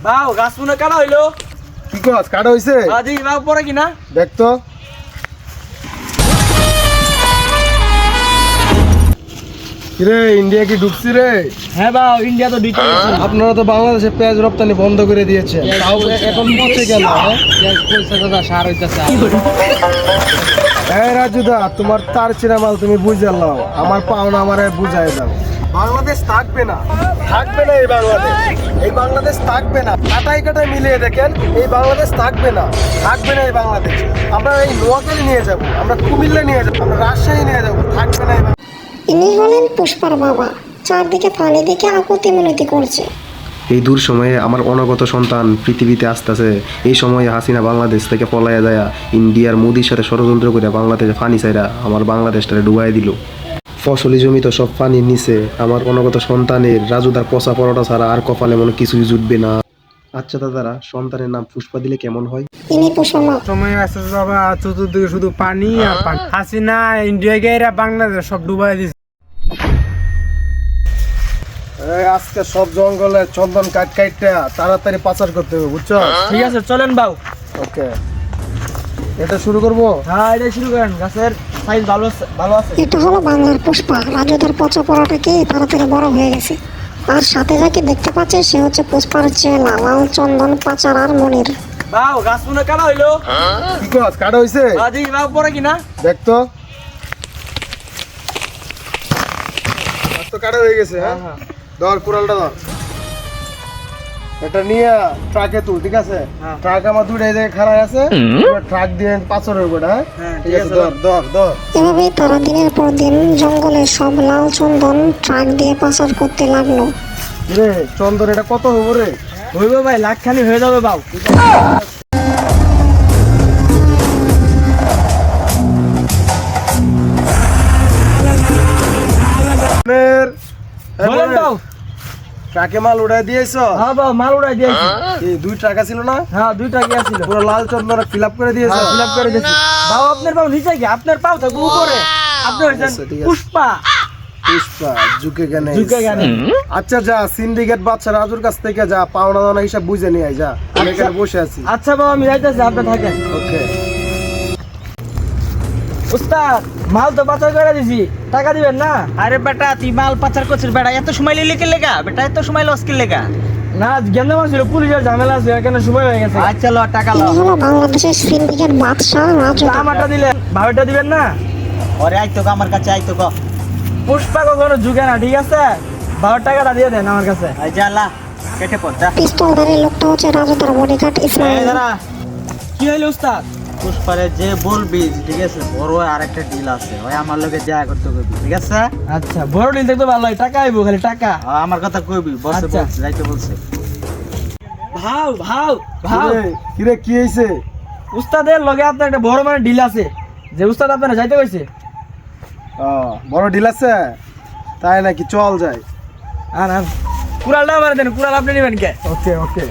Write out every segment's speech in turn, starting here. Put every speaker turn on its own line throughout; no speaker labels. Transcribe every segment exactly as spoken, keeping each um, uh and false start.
বাউ গাছ মনে কাটা হইলো।
কি কস কাটা হইছে?
আজি বাউ পরে কিনা
দেখ তো। কিরে ইন্ডিয়া কি ঢুকছি রে?
হ্যাঁ বাউ ইন্ডিয়া তো ঢুকে গেছে।
আপনারা তো বাংলাদেশে পেঁয়াজ রপ্তানি বন্ধ করে দিয়েছেন, তাও এখন পচে কেন?
পেঁয়াজ কইছে দাদা সার হইতাছে।
এই রাজুদা, তোমার তার চিরা মাল তুমি বুঝে নাও, আমার পাওনা আমারে বুঝাই দাও। বাংলাদেশ থাকবে না, থাকবে না এই বাংলাদেশ, এই বাংলাদেশ থাকবে না। কাটাই কাটাই মিলিয়ে দেখেন, এই বাংলাদেশ থাকবে না, থাকবে না এই বাংলাদেশ। আমরা এই নোয়াখালী নিয়ে যাব, আমরা কুমিল্লা নিয়ে যাব, আমরা রাজশাহী নিয়ে যাব, থাকবে না এই বাংলাদেশ।
ইনি হলেন পুষ্পার বাবা, চারদিকে পানি দেখে আকুতি মিনতি করছে।
এই দূর সময়ে আমার অনাগত সন্তান পৃথিবীতে আসতেছে। এই সময়ে হাসিনা বাংলাদেশ থেকে পলাইয়া যায় ইন্ডিয়ার মোদির সাথে ষড়যন্ত্র করে বাংলাদেশে ফানি চাইরা আমার বাংলাদেশটারে ডুবাই দিল। ফসলি জমিতে সব পানির নিচে আমার অনাগত সন্তানের রাজুদার পচা পরোটা ছাড়া আর কপালে মনে কিছুই জুটবে না। আচ্ছা দাদারা, সন্তানের নাম পুষ্পা দিলে কেমন হয়?
ইনি পুষ্পা
সময় আসছে বাবা, চতুর্দিকে শুধু পানি আর পানি। হাসিনা ইন্ডিয়া গিয়ে বাংলাদেশ সব ডুবাই দিচ্ছে। আজকে সব জঙ্গলে চন্দন কাট কাটটা তাড়াতাড়ি পাচার করতে হবে, বুঝছো?
ঠিক আছে চলেন বাউ।
ওকে, এটা শুরু করবো।
হ্যাঁ এটা শুরু করেন, গাছের সাইজ ভালো আছে- ভালো আছে।
এটা হলো বাংলার পুষ্পা, রাজুদার পচা পড়াটাকে তাড়াতাড়ি বড় হয়ে গেছে। আর সাথে যাকে দেখতে পাচ্ছে সে হচ্ছে পুষ্পার চেলা লাল চন্দন পাচার আর মনির।
বাউ গাছ মনে কাটা হইলো।
কি কস কাটা হইছে?
আজি বাউ পরে কিনা
দেখ তো। আর তো কাটা হয়ে গেছে। হ্যাঁ
হ্যাঁ
ধর কুড়ালটা ধর, এটা নিয়ে ট্রাকে তুল, ঠিক আছে?
হ্যাঁ।
ট্রাক আমার দুটো এই জায়গায় খাড়া আছে, ট্রাক দিয়ে পাঁচর হইব। হ্যাঁ
হ্যাঁ,
ঠিক আছে, ধর ধর ধর।
এভাবেই তারা দিনের পর দিন জঙ্গলে সব লাল চন্দন ট্রাক দিয়ে পাচার করতে লাগলো।
রে চন্দন এটা কত হইব রে?
হইব ভাই, লাখ খানি হয়ে যাবে বাউ।
এর এই
বলেন
বলেন,
বাউ।
ট্রাকে মাল উড়াই দিয়েছ?
হ্যাঁ বাউ মাল উড়াই দিয়েছি।
এই দুই ট্রাক ছিল না?
হ্যাঁ দুইটা কি আছিল।
পুরো লাল চন্দন ফিল আপ করে দিয়েছ?
ফিল আপ করে দিয়েছি। বাউ আপনার পাও নিচে কি? আপনার পাও থাকবে উপরে। আপনি হইছেন
আচ্ছা, ঠিক আছে।
পুষ্পা।
পুষ্পা ঝুঁকে গেনে।
ঝুঁকে গেনে।
আচ্ছা যা, সিন্ডিকেট বাচ্চা রাজুর কাছ থেকে যা পাওনা দানা হিসাব বুঝে নিয়ে আয়, যা। আমি এখানে বসে আছি।
আচ্ছা বাবু আমি যাইতেছি, আপনি থাকেন।
ওকে।
উস্তাদ মাল তো পাচার করে দিছি, টাকা দিবেন না?
আরে বেটা তুই মাল পাচার করছিস বেটা, এত সময় লিলে কে লেগা বেটা, এত সময় লস কে লেগা?
না গেন্দা মাছ ছিল, পুলিশের ঝামেলা আছে, এখানে সময় হয়ে গেছে।
আচ্ছা ল টাকা ল।
ইনি হলো বাংলাদেশের সিন্ডিকেট বাদশাহ রাজু।
আমারটা দিলেন, ভাবেরটা দিবেন না?
ওরে আইতো ক আমার কাছে, আইতো ক।
পুষ্পা কখনো ঝুঁকে না, ঠিক আছে? ভাবের টাকাটা দিয়ে দেন আমার কাছে।
আই যা লা, কেটে পড় যা।
পিস্তলধারী লোকটা হচ্ছে রাজুদার বডিগার্ড
এই
ইসমাইল।
দাঁড়া,
কি হইলো উস্তাদ?
পুষ্পারে যে বলবি ঠিক আছে, বড় আরেকটা ডিল আছে, ওই আমার লগে দেখা করতে কইবি, ঠিক আছে?
আচ্ছা বড় দিন দেখতে ভালো হয়, টাকা আইবো খালি টাকা।
আ, আমার কথা কইবি, বসে
আচ্ছা।
বলছে, যাইতে বলছে।
ভাও ভাও ভাও
কিরে, কিরে কি হইছে?
উস্তাদের লগে আপনার একটা বড় মানে ডিল আছে, যে উস্তাদ আপনারা যাইতে কইছে।
ও, বড় ডিল আছে তাই নাকি? চল যাই।
আর আর কুড়ালটা আমার দেন, কুড়াল আপনি নেবেন কে?
ওকে ওকে।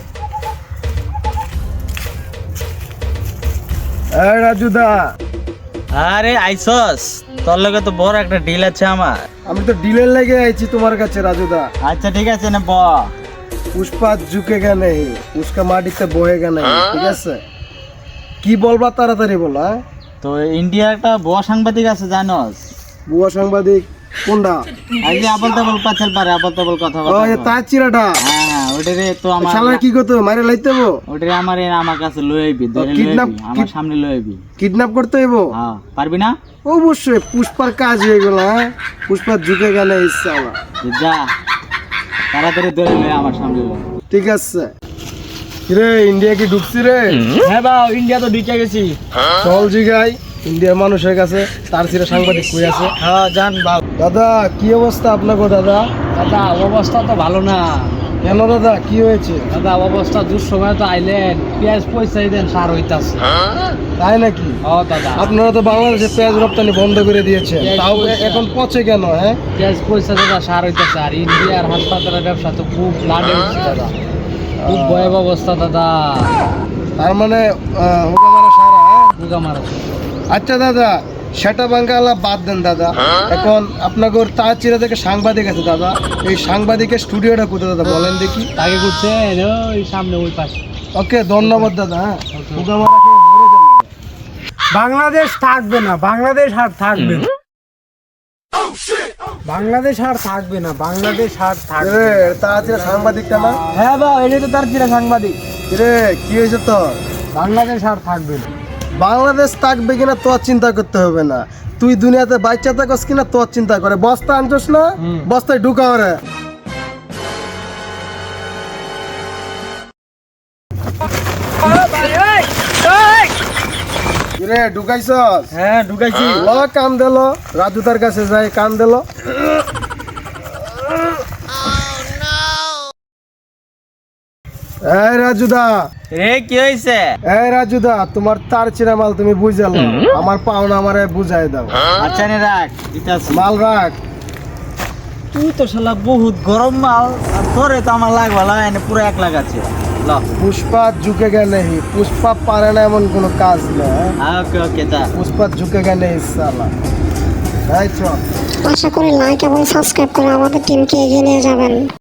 এই রাজুদা,
আরে আইসস, তোর লগে তো বড় একটা ডিল আছে আমার।
আমি তো ডিলের লেগে আইছি তোমার কাছে রাজুদা।
আচ্ছা ঠিক আছে না ব।
পুষ্পা ঝুঁকে গেলে পুষ্কা মাটিতে বয়ে গেলে, ঠিক আছে? কি বলবা তাড়াতাড়ি বলো। হ্যাঁ
তো ইন্ডিয়ার একটা বড় সাংবাদিক আছে জানোস?
বুয়া সাংবাদিক কোনটা?
আই যে আবল তাবল পাছাল পারে, আবল তাবল কথা
ও
বলে।
এ তার চিরাটা।
হ্যাঁ হ্যাঁ, ওটারে তো আমার
শালা কি করতে হবে? মারে লাইতে হবো?
ওটারে আমার এ আমার কাছে লই আইবি, ধরে লই
kidnap-
আইবি, আমার সামনে লই আইবি।
কিডন্যাপ করতে হইব?
হ্যাঁ পারবি না?
অবশ্যই, পুষ্পার কাজ হয়ে গেল। হ্যাঁ পুষ্পা ঝুঁকে গেলে ইচ্ছা আমার।
তো যা তাড়াতাড়ি ধরে লই আমার সামনে লই।
ঠিক আছে। কিরে ইন্ডিয়া কি ঢুকছি রে?
হ্যাঁ বাউ ইন্ডিয়া তো ঢুকে গেছি।
চল জিগাই ইন্ডিয়ার মানুষের কাছে, তার চিরা সাংবাদিক কই আছে।
হ্যাঁ জান বাউ।
দাদা কি অবস্থা আপনাকে দাদা?
দাদা অবস্থা তো ভালো না।
কেন দাদা কি হয়েছে?
দাদা অবস্থা দুঃসময় তো আইলেন, পেঁয়াজ পয়সাই দেন সার হইতাছে।
তাই নাকি?
ও দাদা
আপনারা তো বাংলাদেশে পেঁয়াজ রপ্তানি বন্ধ করে দিয়েছেন,
পেঁয়াজ
তাও
পয়সা-
এখন পচে কেন? হ্যাঁ
পেঁয়াজ পয়সা দাদা সার হইতাছে, আর ইন্ডিয়ার হাসপাতালের ব্যবসা তো খুব লাডে হচ্ছে দাদা, খুব ভয়াবহ অবস্থা দাদা।
তার মানে আহ, ওকে মারা সারা। হ্যাঁ
পুগা মারা।
আচ্ছা দাদা, সেটা বাঙ্গালা বাদ দেন দাদা। এখন আপনাকে তার চিরা থেকে সাংবাদিক আছে দাদা, এই সাংবাদিকের স্টুডিওটা কোথায় দাদা বলেন দেখি।
তাকে করছেন ওই সামনে ওই পাশে।
ওকে ধন্যবাদ দাদা। হ্যাঁ
Okay.
ফুকা মারা খেয়ে মরে যান দাদা।
বাংলাদেশ থাকবে না, বাংলাদেশ আর থাকবে না, বাংলাদেশ আর থাকবে না, বাংলাদেশ আর থাকবে
রে তার চিরা সাংবাদিকটা না
হ্যাঁ বা এটাই তো তার চিরা সাংবাদিক।
রে কি হয়েছে তোর?
বাংলাদেশ আর থাকবে না।
বাংলাদেশ থাকবে কিনা তোর চিন্তা করতে হবে না, তুই দুনিয়াতে বাচ্চা থাকস কিনা তোর চিন্তা করে। বস্তা আনছস না,
হুম।
বস্তায় ঢুকা ওরে। রে ঢুকাইছস?
হ্যাঁ ঢুকাইছি।
ল কাম দিল, রাজু তার কাছে যাই কাম দিল। এই রাজুদা,
রে কি হয়েছে?
এই রাজুদা, তোমার তার চিরা মাল তুমি বুঝাল, আমার পাওনা আমারে বুঝাই দাও।
আচ্ছা নে রাখ দিতাছি।
মাল রাখ।
তুই তো শালা বহুত গরম মাল, আর তোরে তো আমার লাগবা লাগে না, পুরো এক লাগাচ্ছে। ল
পুষ্পা ঝুঁকে গে নেই, পুষ্পা পারে না এমন কোনো কাজ না।
হ্যাঁ ওকে ওকে তা
পুষ্পা ঝুঁকে গে নেই সালা। এই চল।
আশা করি লাইক এবং সাবস্ক্রাইব করে আমাদের টিমকে এগিয়ে নিয়ে যাবেন।